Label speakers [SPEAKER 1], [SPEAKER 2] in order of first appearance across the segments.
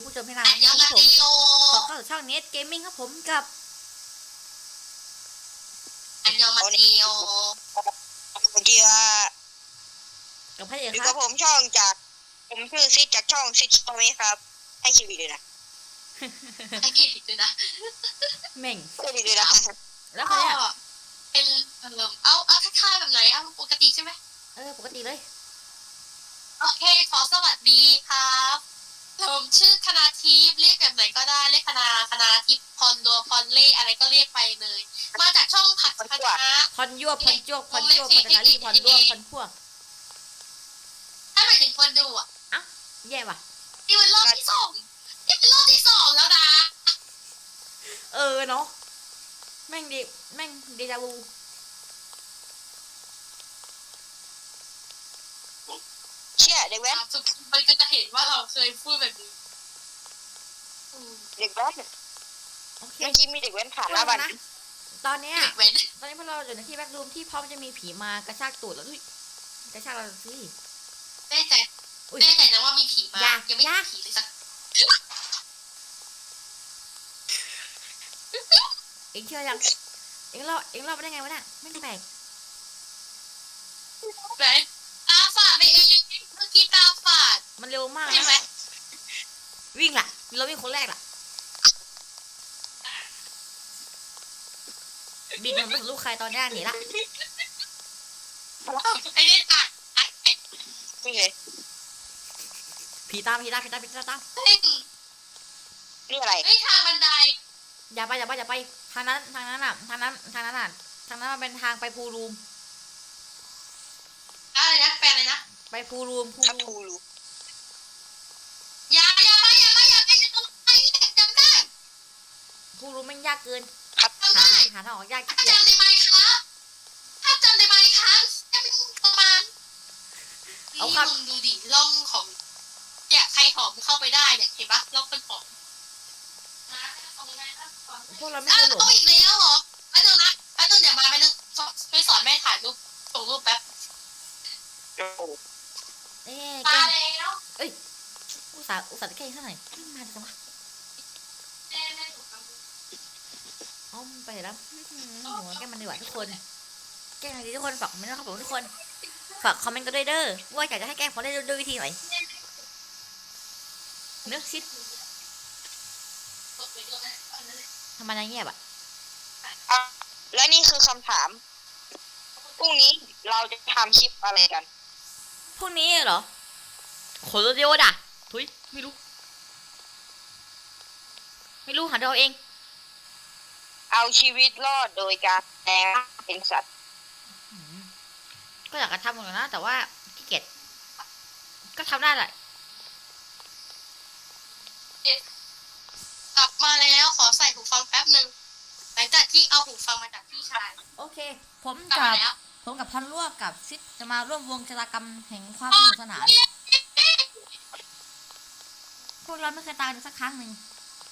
[SPEAKER 1] ผู้ชมให้นาน
[SPEAKER 2] อันยอง
[SPEAKER 1] ครับ
[SPEAKER 2] อา
[SPEAKER 1] ผม
[SPEAKER 2] เซโย
[SPEAKER 1] ขอเข้าสู่ช่องเน็ตเกมมิ่งครับผมกับ
[SPEAKER 2] อันยองอาเซโย
[SPEAKER 3] เกียร์
[SPEAKER 1] กับพระเอก
[SPEAKER 3] อยู่
[SPEAKER 1] ค
[SPEAKER 3] กั
[SPEAKER 1] รั
[SPEAKER 3] บบ ผมช่องจากผมชื่อซิดจากช่องซิดช่องนี้ครับให้คิวอีกเลยนะ
[SPEAKER 2] ให้เกียรติด้วยนะ
[SPEAKER 1] เม่ง
[SPEAKER 3] ให้ดีเลยนะ
[SPEAKER 1] แล้ว
[SPEAKER 2] ก็
[SPEAKER 1] เขาเนี่ย
[SPEAKER 2] เป็นเอาทักทายแบบไหนเอาปกติใช่ไหม
[SPEAKER 1] ปกติเลย
[SPEAKER 2] โอเคขอสวัสดีครับผมชื่อคณาทิพย์เรียกแบบไหนก็ได้เรียกคณาทิพย์พรดัวพรเล่อะไรก็เรียกไปเลย มาจากช่องผัดคณะ
[SPEAKER 1] พอนยั่วพอนจวกพอนจวกพอนนาลีพอนด้วงพอนพวก
[SPEAKER 2] ถ้าหมายถึงคนดูอ่ะ
[SPEAKER 1] แย่ว่ะ
[SPEAKER 2] นี่เป็นรอบที่สองนี่เป็นรอบที่สองแล้วนะ
[SPEAKER 1] เนาะแม่งเดจาวู
[SPEAKER 3] เชี่ยเด็กแว้น
[SPEAKER 2] สุดมันก็จะเห็นว่าเราเคยพูดแบบนี้
[SPEAKER 3] เด็กแว้น
[SPEAKER 1] โอเค
[SPEAKER 3] เมื่อกี้มีเด็กแว้นผ่านหน้าบ้าน
[SPEAKER 1] นะตอนเนี้ย
[SPEAKER 2] เด็กเว้น
[SPEAKER 1] พวกเราอยู่ในที่แบ็กรูมที่พร้อมจะมีผีมากระชากตูดแล้วอุ้ยกระชากเราสิ
[SPEAKER 2] แน่ใจ
[SPEAKER 1] อุ๊ย
[SPEAKER 2] แน่ใจนะว่ามีผีมา
[SPEAKER 1] อย่า
[SPEAKER 2] ยังไม่
[SPEAKER 1] อย่า
[SPEAKER 2] มีผีเลยสัก
[SPEAKER 1] เอ็งเชื่อยังเอ็งเล่าไปได้ไงวะเนี่ยไม่แปลก
[SPEAKER 2] ไหนตาฝาดไปเองเมื่อกี้ตาฝาด
[SPEAKER 1] มันเร็วมาก
[SPEAKER 2] ใช่ไหม
[SPEAKER 1] นะวิ่งล่ะเราวิ่งคนแรกล่ะบินมันไม่สนลูกใครตอนแรกหนีละ
[SPEAKER 2] ไอ้เนี่ยตัด
[SPEAKER 3] นี่ไง
[SPEAKER 1] ผีตาม
[SPEAKER 2] เฮ้ย
[SPEAKER 3] นี่อะไร
[SPEAKER 2] เฮ้ยทางบันได
[SPEAKER 1] อย่าไปทางนั้นอ่ะทางนั้นมันเป็นทางไปพูรูม
[SPEAKER 2] อะไรนะแปลอะไรนะ
[SPEAKER 1] ไปพูรูม
[SPEAKER 3] ทับทูรู
[SPEAKER 2] อย่าไปจะต้องไปจำได้
[SPEAKER 1] พูรูมมันยากเกิน
[SPEAKER 3] ครับ
[SPEAKER 2] จำได้
[SPEAKER 1] หาทางออกยาก
[SPEAKER 2] ถ้า
[SPEAKER 1] เกียจ
[SPEAKER 2] จำได้ไหมครับถ้าจำได้ไหมครับจะเป็นประมาณนี่มึงดูดิร่องของเนี่ยใครหอมเข้าไปได้เนี่ยเห็นปะร่องเป็นหอม
[SPEAKER 1] พวกเราไม่
[SPEAKER 2] อ้า
[SPEAKER 1] เค
[SPEAKER 2] วย
[SPEAKER 1] หลง
[SPEAKER 2] ต้องอีกแล้วเหรอไปเถอะนะเดี๋ยวมาไปนึงไปสอนแม่ถ่ายรูปส่งรูปแป๊บ
[SPEAKER 3] โอ้โห
[SPEAKER 1] เอ๊ะ
[SPEAKER 2] มา
[SPEAKER 1] แก
[SPEAKER 2] แล้ว
[SPEAKER 1] อุตส่าห์แกล้งซะหน่อยมาจังวะ
[SPEAKER 2] แม่ถูกทำ
[SPEAKER 1] อ้อมไปแล้วหัวแกล้งมันดีกว่าทุกคนแกล้งอะไรดีทุกคนฝากคอมเมนต์นะครับผมทุกคนฝากคอมเมนต์กันด้วยเด้อว่าอยากจะให้แกล้งผมได้ด้วยวิธีไหนเนื้อชิดทำไมนายเงียบอ่ะ
[SPEAKER 3] อ่ะและนี่คือคำถามพรุ่งนี้เราจะทำคลิปอะไรกัน
[SPEAKER 1] พวกนี้เหรอขนรถเดียวด่ะทุยไม่รู้หาเราเอง
[SPEAKER 3] เอาชีวิตรอดโดยการแปลงเป็นสัตว์
[SPEAKER 1] ก็อยากจะทำเหมือนกันนะแต่ว่าขี้เกียจก็ทำได้แหละ
[SPEAKER 2] กลับมาแล้วขอใส่หูฟังแป๊บหนึ่งหลังจากที่เอาหูฟังมาจากพี่ชาย
[SPEAKER 1] โอเคผม
[SPEAKER 2] กลับ
[SPEAKER 1] กั
[SPEAKER 2] มา
[SPEAKER 1] บ
[SPEAKER 2] แล้ว
[SPEAKER 1] พรร่วมกับซิดจะมาร่วมวงชะตากรรมแห่งความสนุกสนานพวกเราไม่เคยตายเลยสักครั้งหนึ่ง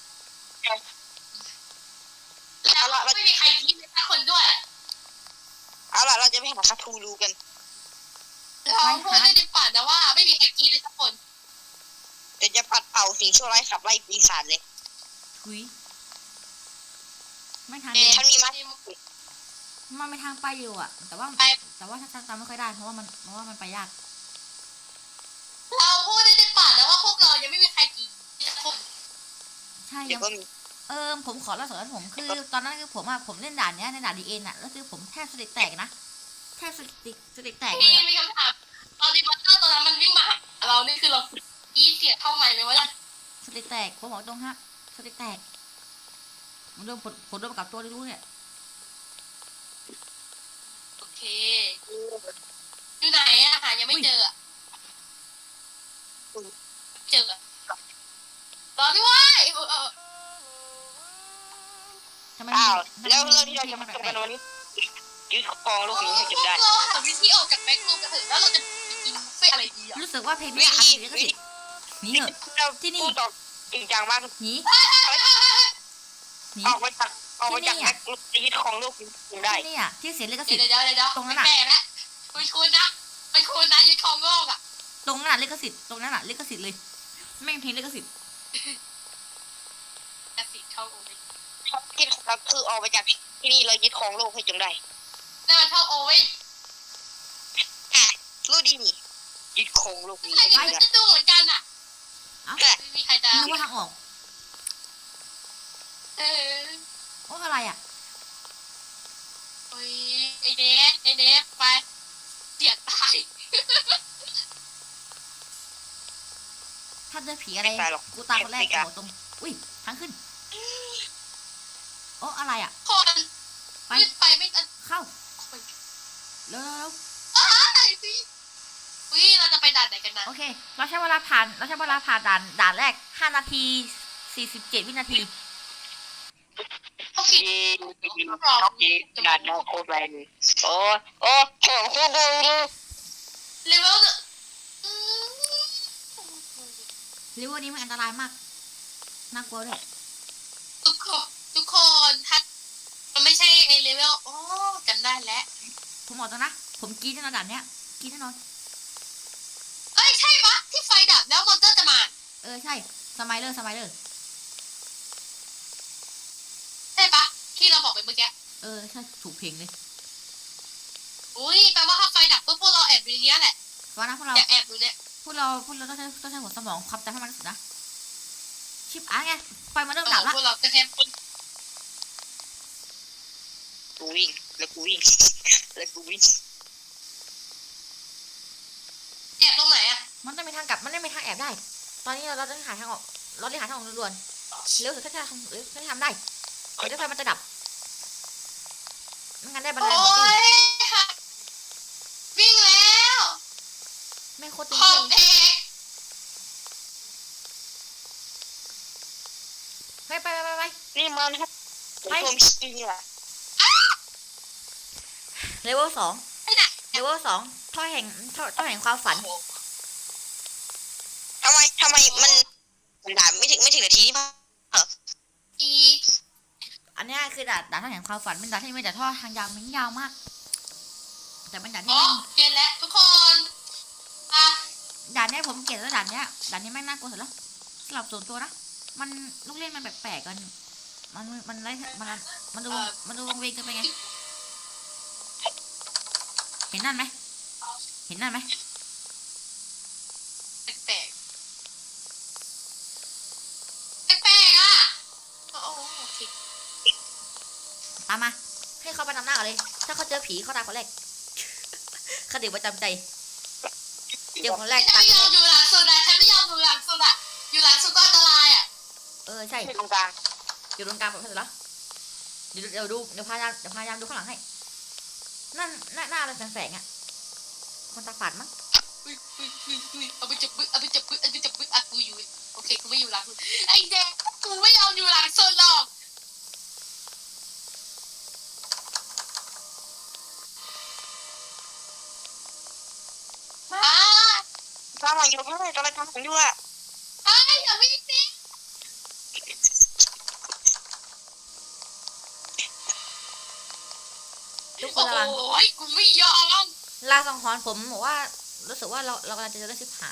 [SPEAKER 2] แล้วไม่มีใครคิดเลยสักคนด้วย
[SPEAKER 3] เอาล่ะเราจะไปหาทับทูรูกัน
[SPEAKER 2] เราพูดได้ในฝันนะว่าไม่มีใครคิดเลยสักคน
[SPEAKER 3] เดี๋ยวจะปัดเป่าสิ่งชั่วร้ายขับไล่ปีศาจเลย
[SPEAKER 1] ทุยไม่ทาง
[SPEAKER 3] ฉันมีมั้ย
[SPEAKER 1] มันไม่ทางไปอยู่อ่ะแต่ว่าถ้าจำไม่ค่อยได้เพราะว่ามันไปยาก
[SPEAKER 2] เราพูดได้ในฝันนะว่าพวกเรายังไม่มีใครคิดสักคน
[SPEAKER 1] ใช่
[SPEAKER 3] เดี๋ยวก็มี
[SPEAKER 1] ผมขอเล่าสอนผมคือตอนนั้นคือผมเล่นด่านเนี้ยในด่านดีเอ็นอ่ะแล้วคือผมแทบสติแตกนะแทบสติแตกเลย
[SPEAKER 2] มีคำถามตอนที่มอนเตอร์ตัวนั้นมันวิ่งมาเรานี่คือเรากีเสียเข้าใหม่เลยว่า
[SPEAKER 1] สติแตกผมบอกตรงฮะสติแตกผมโดนกับตัวรู้เนี่ย
[SPEAKER 2] โอเคอยู่ไหนอะหายังไม่เจอเจอรอด้วย
[SPEAKER 1] ทำไม
[SPEAKER 3] อ้าวแล้วเรื่องที่เราจะมาทำกันวันนี้ยึดครองโลกนี้ให้จนได้
[SPEAKER 2] เราหาวิธีออกจากแบ็ครูมกันเถอะแล้วเราจะกินบุฟเฟ่อะไรดีอ่ะ
[SPEAKER 1] รู้สึกว่าเพลงนี้ขาดเสียงก็สิหนีเหอะ
[SPEAKER 3] เราพูดต่อจริงจังมาก
[SPEAKER 1] หนี
[SPEAKER 3] ออกมาจากแบ็คยึดครองโลกนี้จนได้
[SPEAKER 1] ที่นี่อ่ะที่เสียงลิขสิทธิ์
[SPEAKER 2] เดี๋ยวไม่แปลกแล้วคุณนะยึดครองโลกอ่ะ
[SPEAKER 1] ตรงนั้นลิขสิทธิ์ตรงนั้นลิขสิทธิ์เลยแม่งเพลงลิขสิทธิ์
[SPEAKER 3] เราคือออกไปจากที่นี่เรายึดครองโลกให้จงได้
[SPEAKER 2] นั่นมันเท่าโอเว่น
[SPEAKER 3] อ่ะรู้ดีนี่ยึดครองโลกนี้
[SPEAKER 2] ใคร
[SPEAKER 3] ให้จ
[SPEAKER 2] จะ
[SPEAKER 3] งได้
[SPEAKER 2] ดูเหมือนกันอ่ะ
[SPEAKER 3] แต่
[SPEAKER 2] ไม่มีใครจะ
[SPEAKER 1] นึกว่าทางออก
[SPEAKER 2] เออ
[SPEAKER 1] โอ้อะไรอ่ะ
[SPEAKER 2] โอ้ยไอเดฟไปเสียตาย
[SPEAKER 1] ถ้าเจอผีอะไร
[SPEAKER 3] ไม่ตายหรอก
[SPEAKER 1] กูตายคนแรกกูบอกตรง อุ้ยทางขึ้น โอ้อะไรอ่ะ
[SPEAKER 2] คน
[SPEAKER 1] ไป
[SPEAKER 2] ขึ้นไปไม่ทัน
[SPEAKER 1] เข้าเร็ว
[SPEAKER 2] ตายสิวิเราจะไปด่านไหนกันนะ
[SPEAKER 1] โอเค เราใช้เวลาผ่านด่านแรก5 นาที 47 วินาที
[SPEAKER 2] เขาผิด
[SPEAKER 3] ยีด่านนอกโคตรแรงเลยโอ้โอ้ของโคตรดี
[SPEAKER 2] เลเวลหนึ่ง
[SPEAKER 1] หรือว่านี้มันอันตรายมาก น่ากลัวด้วย
[SPEAKER 2] ทุกคนถ้ามันไม่ใช่ไอเลเวลโอ้จำได้แล้ว
[SPEAKER 1] ผมบอกตรงนะ ผมกรีดแน่นอนด่านเนี้ยกรีดแน่นอน
[SPEAKER 2] เอ้ยใช่ปะที่ไฟดับแล้วมอนเตอร์จะมา
[SPEAKER 1] ใช่สไมเลอร์
[SPEAKER 2] ใช่ปะที่เราบอกไปเมื่อกี้
[SPEAKER 1] ใช่ถูกเพลงเลย
[SPEAKER 2] อุ้ยแปลว่าถ้าไฟดับปุ๊บพวกเราแอบอยู่ในเนี้ยแหละ
[SPEAKER 1] ว่านะพวกเรา
[SPEAKER 2] อย่าแอบอยู่เนี่ย
[SPEAKER 1] ต้องใช้หัวสมองความจำให้มันที่สุดนะ ชิปอาร์ไง ไฟมันเริ่มดับละ
[SPEAKER 2] พวกเราจะแทบ
[SPEAKER 3] กูวิ่งแล้วกูวิ่งแล้วกูวิ่ง
[SPEAKER 2] แอบตรงไหนอะ
[SPEAKER 1] มันต้องมีทางกลับ มันไม่มีทางแอบได้ ตอนนี้เราต้องหาทางออก เราต้องหาทางออกด่วนๆเร็วสุดถ้าจะทำหรือถ้าจะทำได้เดี๋ยวไฟมันจะดับไม่งั้นได้บันได
[SPEAKER 2] โอ้
[SPEAKER 1] หมดที่
[SPEAKER 2] ยวิ่งแล้ว
[SPEAKER 1] ไม่โคตรตึง
[SPEAKER 2] ขอ
[SPEAKER 1] เที่ย
[SPEAKER 2] ง
[SPEAKER 1] ว
[SPEAKER 2] เอก
[SPEAKER 1] ไป
[SPEAKER 3] นี่มันครับผมชี้เนี่ย
[SPEAKER 1] เลเวล2
[SPEAKER 2] ไปไหน
[SPEAKER 1] เลเวล2ท่อแห่งความฝัน
[SPEAKER 3] ทำไมมันด่าไม่ถึงนาทีนี่ป่ะ
[SPEAKER 2] อี
[SPEAKER 1] อันเนี้ยคือด่านท่อแห่งความฝันเป็นด่านที่มีแต่ท่อทางยาวมันยาวมาก แต่เป็นด่านที่
[SPEAKER 2] อ๋อเปลี่ยนแล้วทุกคนอ่ะ
[SPEAKER 1] ด่านเนี้ยผมเกลียดแล้วด่านเนี้ยแม่งน่ากลัวสุดแล้วสำหรับส่วนตัวนะ มันลูกเล่นมันแปลกๆกัน มันไรมันดูวงเวงเกินไปไง เห็นนั่นไหม
[SPEAKER 2] แปลกแปลกอ่ะโอ้โอเค
[SPEAKER 1] ตามมา ให้เขาไปนำหน้าก่อนเลย ถ้าเขาเจอผีเขาตายคนแรก คติประจำใจ เจอคนแรก
[SPEAKER 2] ฉัน
[SPEAKER 1] ตาย
[SPEAKER 2] ไม่
[SPEAKER 1] คน
[SPEAKER 2] ยอ
[SPEAKER 1] แร
[SPEAKER 2] ม
[SPEAKER 1] ก
[SPEAKER 2] อยู่หลังสุดอ่ะฉันไม่ยอมอยู่หลังสุดอ่ะอยู่หลังสุดก็อันตรายอ่ะ
[SPEAKER 1] ใช่
[SPEAKER 3] ตรงกลาง
[SPEAKER 1] อยู่ตรงกลางแบบนั้นเหรอเดี๋ยวพยายามดูข้างหลังให้ นั่นหน้าอะไรแสงๆอ่ะ คนตาฝาดมั้ง
[SPEAKER 2] เอาไปจับอ่ะกูอยู่โอเคกูไม่อยู่หลังสุดไอ้แดงกูไม่ยอมอยู่หลังสุดหรอกมา
[SPEAKER 3] ทำอะไรอยู่ไม่ได้กำลังทำอยู่อ่ะ
[SPEAKER 2] ไอ้อย่าวิ่งสิ
[SPEAKER 1] ทุกค
[SPEAKER 2] โอ้
[SPEAKER 1] นระวัง
[SPEAKER 2] ยกูไม่ยอม
[SPEAKER 1] ลาสังหรณ์ผมบอกว่า รู้สึกว่าเรากำลังจะเจอเรื่องชิบหาย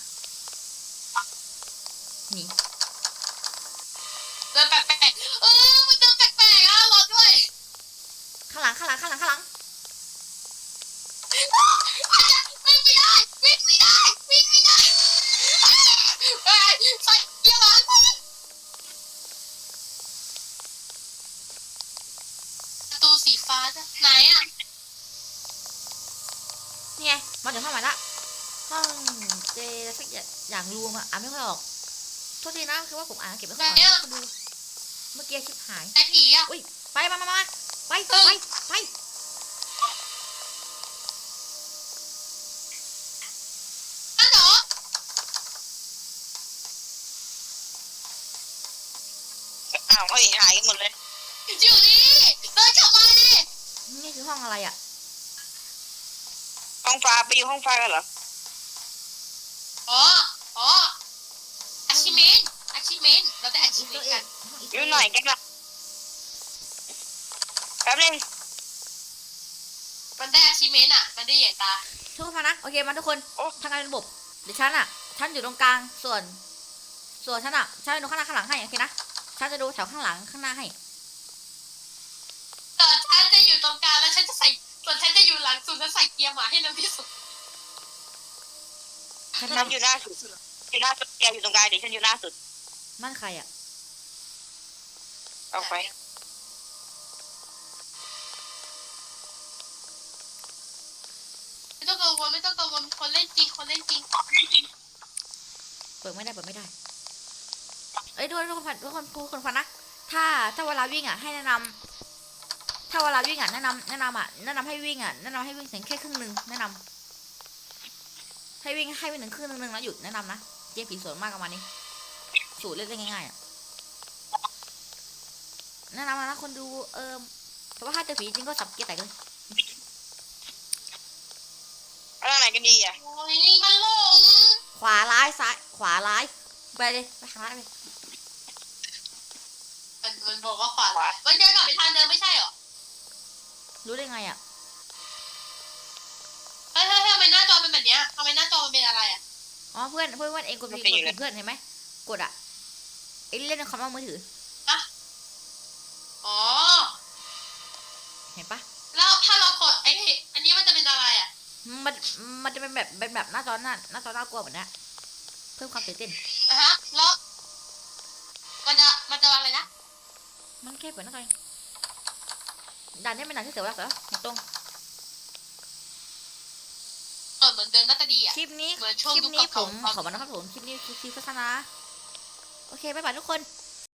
[SPEAKER 1] หนี
[SPEAKER 2] เดินแปลกๆมันเดินแปลกๆอ่ะรอด้วย
[SPEAKER 1] ข้างหลัง
[SPEAKER 2] วิ่งไม่ได้วิ่งไม่ได้เฮ้ยใส่เกียร์หลังประตูสีฟ้าจ้ะไหนอ่ะ
[SPEAKER 1] นี่ไง มาถึงห้องใหม่ละ ห้องเจสักอย่างรวมอ่านไม่ค่อยออก โทษทีนะ คือว่าผมอ่านเก็บไม่ค่อยออกนะคุณดู เมื่อกี้ชิบหาย
[SPEAKER 2] ไอ้ผีอ่ะ
[SPEAKER 1] อุ้ย ไป ไป
[SPEAKER 2] อันเหรอ
[SPEAKER 3] อ้าวเฮ้ยหายกันหมดเลย
[SPEAKER 2] อยู่นี่เดินกลับมาดิ
[SPEAKER 1] นี่คือห้องอะไรอ่ะ
[SPEAKER 3] ห้องฟ้าไปอยู่ห้องฟ้ากันเหรอ
[SPEAKER 2] อ๋อachievement เราได้
[SPEAKER 1] อีก
[SPEAKER 2] achievement
[SPEAKER 1] ตัวเอ
[SPEAKER 2] กั
[SPEAKER 1] ง
[SPEAKER 2] น
[SPEAKER 3] อยู่หน่อยกันละแป๊บนึง
[SPEAKER 2] มันได้ achievement อ่ะมันได้เหยียดตา
[SPEAKER 1] ทุกคนนะ โอเค มาทุกคน
[SPEAKER 3] โอ้
[SPEAKER 1] ทางการเป็นระบบ เดี๋ยวฉันอยู่ตรงกลาง ส่วนฉันดูข้างหน้าข้างหลังให้ โอเคนะ ฉันจะดูแถวข้างหลังข้างหน้าให้
[SPEAKER 2] แล้วฉันจะใส่ส่วนฉันจะอยู่หลังสุดแล้วใส่เกียร์หมาให้เร็วที่สุด
[SPEAKER 1] ฉัน
[SPEAKER 3] ฉันอยู่หน้าสุดอยู่หน้าสุดแกอยู่ตรงกลางเดี๋ยวฉันอยู่หน้าสุด
[SPEAKER 1] นั่นใครอ่ะ
[SPEAKER 3] ออกไป
[SPEAKER 2] ไม่ต้องกังวลไม่ต้องกังวลคนเล่นจริงคนเล่นจริง
[SPEAKER 1] เปิดไม่ได้เปิดไม่ได้เอ้ยทุกคนฟังนะถ้าเวลาวิ่งอ่ะให้แนะนำถ้าเวลาวิ่งอ่ะแนะนำให้วิ่งเสียงแค่ครึ่งหนึ่งแนะนำให้วิ่งหนึ่งครึ่งหนึ่งแล้วหยุดแนะนำนะเกมผีสวนมากประมาณนี้สูตรเล่นได้ง่ายๆอ่ะแนะนำนะคนดูแต่ว่าถ้าเจอผีจริงก็สับเกียร์แตกเลย
[SPEAKER 3] เอาทางไหนกันดีอ่ะ
[SPEAKER 2] โอ้ยมันหลง
[SPEAKER 1] ขวาร้ายซ้ายขวาร้ายไปเลยไปทางร้ายเลย
[SPEAKER 2] มันบอกว่าขวามันเดินกลับไปทางเดิมไม่ใช่เหรอ
[SPEAKER 1] รู้ได้ไงอ่ะ
[SPEAKER 2] เฮ้ยทำไมหน้าจอเป็นแบบเนี้ยทำไมหน้าจอมันเป็นอะไรอ่ะ
[SPEAKER 1] อ๋อเพื่อนเองกดผิดเพื่อนเห็นไหมกดอ่ะไอ้เล่นในคอมมือถือ
[SPEAKER 2] อ๋อ
[SPEAKER 1] เห็นปะ
[SPEAKER 2] แล้วถ้าเรากดอันนี้มันจะเป็นอะไรอ่ะ
[SPEAKER 1] มันจะเป็นแบบหน้าจอน่ากลัวแบบนี้เพิ่มความตื่นเต้น
[SPEAKER 2] ฮะแล้วมันจะอะไรนะ
[SPEAKER 1] มันแค่เปิดหน้าจอด่านนี้เป็นด่านที่เสียเวลาเสียตรง
[SPEAKER 2] เหมือนเดิมน่าจะดีอ่ะ
[SPEAKER 1] คลิปนี้
[SPEAKER 2] เหมือนช่วง
[SPEAKER 1] ผม
[SPEAKER 2] ยุคเก่าๆ
[SPEAKER 1] ขอมานะครับผมคลิปนี้คือโฆษณาโอเคบ๊ายบายทุกคน